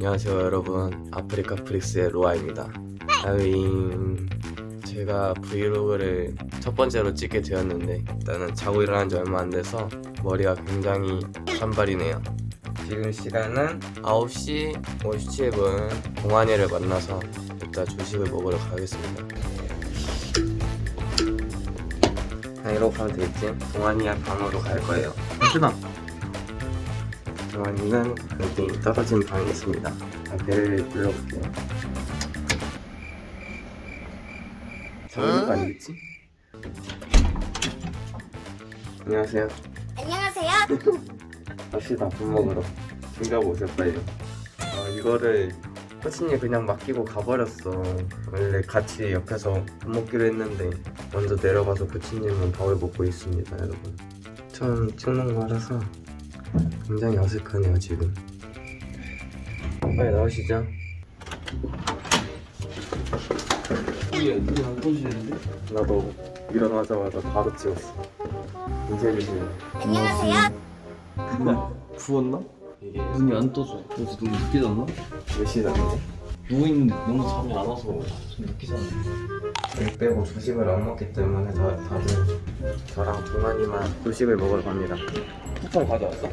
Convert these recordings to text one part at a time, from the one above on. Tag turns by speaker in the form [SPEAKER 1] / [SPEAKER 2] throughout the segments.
[SPEAKER 1] 안녕하세요 여러분, 아프리카 프릭스의 로아입니다. 제가 브이로그를 첫 번째로 찍게 되었는데 일단은 자고 일어난 지 얼마 안 돼서 머리가 굉장히 산발이네요. 지금 시간은 9시 57분. 동환이를 만나서 이따 조식을 먹으러 가겠습니다. 그냥 이러고 가면 되겠지? 동환이랑 방으로 갈 거예요. 하지마! 동환이는 좀 떨어진 방에 있습니다. 배를 불러볼게요. 잡는 거 아니겠지? 안녕하세요.
[SPEAKER 2] 안녕하세요.
[SPEAKER 1] 갑시다. 밥 먹으러. 준비하고 오세요 빨리. 이거를 코치님 그냥 맡기고 가버렸어. 원래 같이 옆에서 밥 먹기로 했는데 먼저 내려가서 코치님은 밥을 먹고 있습니다. 여러분, 처음 찍는 거라서 굉장히 어색하네요 지금. 빨리 나오시죠.
[SPEAKER 3] 눈이 안 떠지는데?
[SPEAKER 1] 나도 일어나자마자 바로 찍었어. 인사해주세요.
[SPEAKER 2] 안녕하세요.
[SPEAKER 3] 부었나?
[SPEAKER 1] 이게
[SPEAKER 3] 눈이 안 떠져. 그래서 너무 늦게 잤나?
[SPEAKER 1] 몇 시간인데?
[SPEAKER 3] 누워있는데 너무 잠이 안 와서 좀 늦게 잤네.
[SPEAKER 1] 일 빼고 조식을 안 먹기 때문에 다들 저랑 동환이만 조식을 먹으러 갑니다. 쿠폰 가져왔어?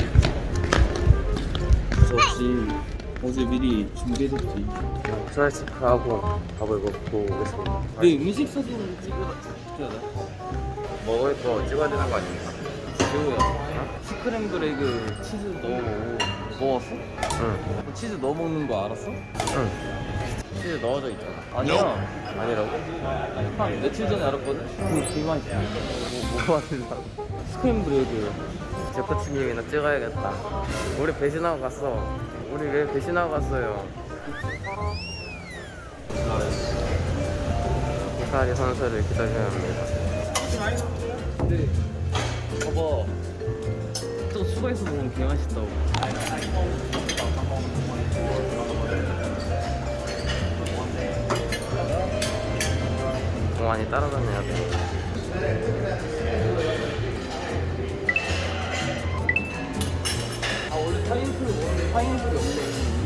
[SPEAKER 3] 무섭지. 어제 미리 준비해뒀지.
[SPEAKER 1] 그냥 프라이스프하고 밥을 먹고 오겠습니다.
[SPEAKER 3] 내 음식 사진을 찍어야 돼.
[SPEAKER 1] 먹을 거 찍어야 되는 거 아닙니까?
[SPEAKER 3] 재호야. 스크램블 에그 치즈 넣었어?
[SPEAKER 1] 응.
[SPEAKER 3] 치즈 넣어 먹는 거 알았어?
[SPEAKER 1] 응. 치즈 넣어져 있잖아.
[SPEAKER 3] 아니야.
[SPEAKER 1] 아니라고?
[SPEAKER 3] 한 며칠 전에 알았거든? 되게 맛있어. 뭐 하려고? 스크램블 에그.
[SPEAKER 1] 제 코치님이나 찍어야겠다. 우리 배신하고 갔어. 우리 왜 배신하고 갔어요? 히카리 선수를 기다려야 합니다.
[SPEAKER 3] 근데 봐봐. 또 추가해서 먹으면 개 맛있다고.
[SPEAKER 1] 동환이 따라다녀야 돼.
[SPEAKER 3] 원래 파인애플을 먹는데 파인애플이 없네.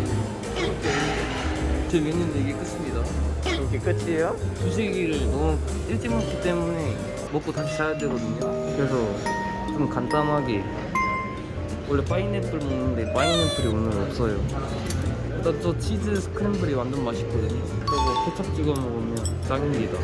[SPEAKER 3] 재밌는데 이게 끝입니다.
[SPEAKER 1] 이게 끝이에요?
[SPEAKER 3] 주식을 너무 일찍 먹기 때문에 먹고 다시 자야 되거든요. 그래서 좀 간단하게 원래 파인애플 먹는데 파인애플이 오늘 없어요. 일단 저 치즈 스크램블이 완전 맛있거든요. 저거 케첩 찍어 먹으면 짱입니다.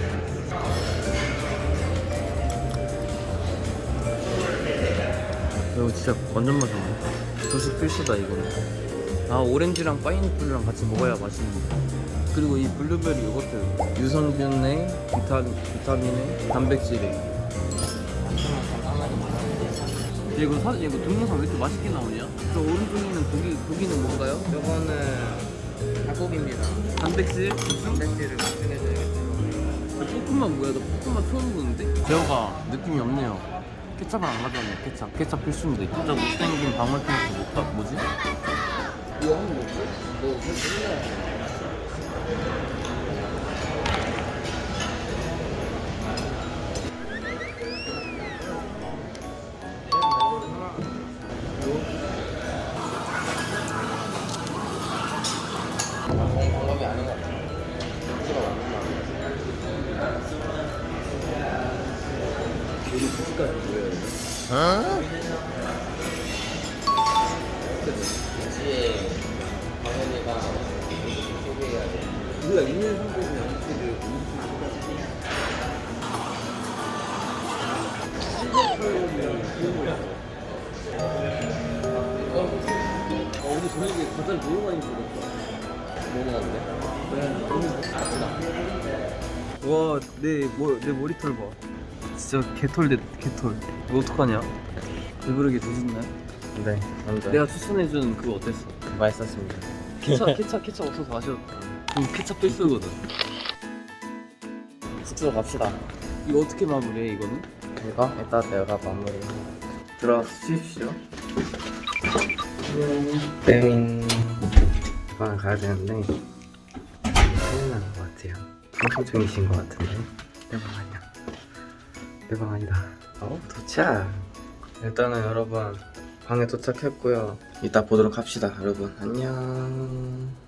[SPEAKER 3] 이거 진짜 완전 맛있네. 조식 필수다 이거는. 오렌지랑 파인애플이랑 같이 먹어야 맛있는데. 그리고 이 블루베리 요거트 유산균에 비타민에 단백질에. 이거 동영상 왜 이렇게 맛있게 나오냐? 저 오른쪽에 있는 고기는 뭔가요?
[SPEAKER 1] 이거는 닭고기입니다.
[SPEAKER 3] 단백질?
[SPEAKER 1] 단백질을 보충해줘야겠죠.
[SPEAKER 3] 볶음밥 뭐야? 나 볶음밥 처음 보는데? 제어가 느낌이 없네요. 케찹을 안 가져왔네. 케찹 필수인데. 진짜 못생긴 방울토마토 뭐지? 이거 하는 거지? 너
[SPEAKER 1] 방법이 아닌 것 같아. 치즈가 맞는 거
[SPEAKER 3] 여기 주식까지 보여야 돼.
[SPEAKER 1] 그치. 당연히가 소개해야 돼.
[SPEAKER 3] 우리가 있는 상태에서 양치를 오늘 저녁에 과자를 너무 많이 먹었다.
[SPEAKER 1] 뭐 먹었는데?
[SPEAKER 3] 와, 내 머리털 봐. 진짜 개털 개털. 이거 어떡하냐? 배부르게 드셨나요?
[SPEAKER 1] 네, 완전
[SPEAKER 3] 내가 추천해준 그거 어땠어?
[SPEAKER 1] 맛있었습니다.
[SPEAKER 3] 케찹 없어서 아쉬웠다. 케찹 필수거든.
[SPEAKER 1] 숙소 갑시다.
[SPEAKER 3] 이거 어떻게 마무리해 이거는?
[SPEAKER 1] 이거 이따 내가 마무리. 들어주십시오. 땡. 방에 가야 되는데 큰일 나는 것 같아요. 방송 중이신 것 같은데. 내 방 아니야. 내 방 아니다. 도착. 일단은 여러분 방에 도착했고요. 이따 보도록 합시다. 여러분 안녕.